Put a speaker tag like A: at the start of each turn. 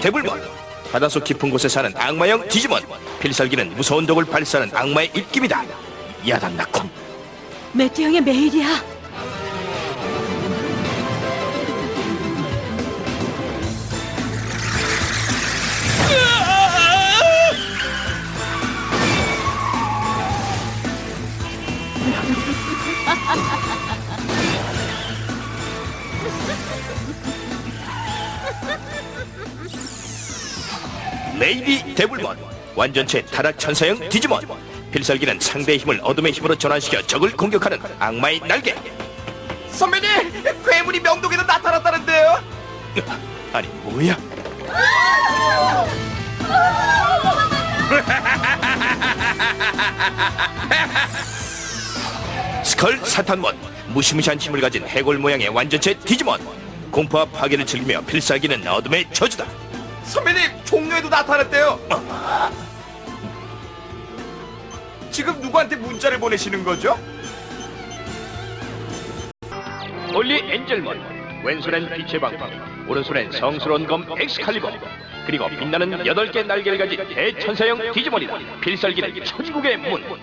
A: 대불몬. 바닷속 깊은 곳에 사는 악마형 디지몬. 필살기는 무서운 독을 발사하는 악마의 입김이다. 야단나콤.
B: 매튜 형의 메일이야.
A: 레이디 데블몬. 완전체 타락 천사형 디지몬. 필살기는 상대의 힘을 어둠의 힘으로 전환시켜 적을 공격하는 악마의 날개.
C: 선배님, 괴물이 명동에도 나타났다는데요?
A: 아니 뭐야? 스컬 사탄몬. 무시무시한 힘을 가진 해골 모양의 완전체 디지몬. 공포와 파괴를 즐기며 필살기는 어둠의 저주다.
C: 선배님, 종로에도 나타났대요. 지금 누구한테 문자를 보내시는 거죠?
A: 홀리 엔젤몬. 왼손엔 빛의 방패, 오른손엔 성스러운 검 엑스칼리버, 그리고 빛나는 8개 날개를 가진 대천사형 디지몬이다. 필살기는 천국의 문.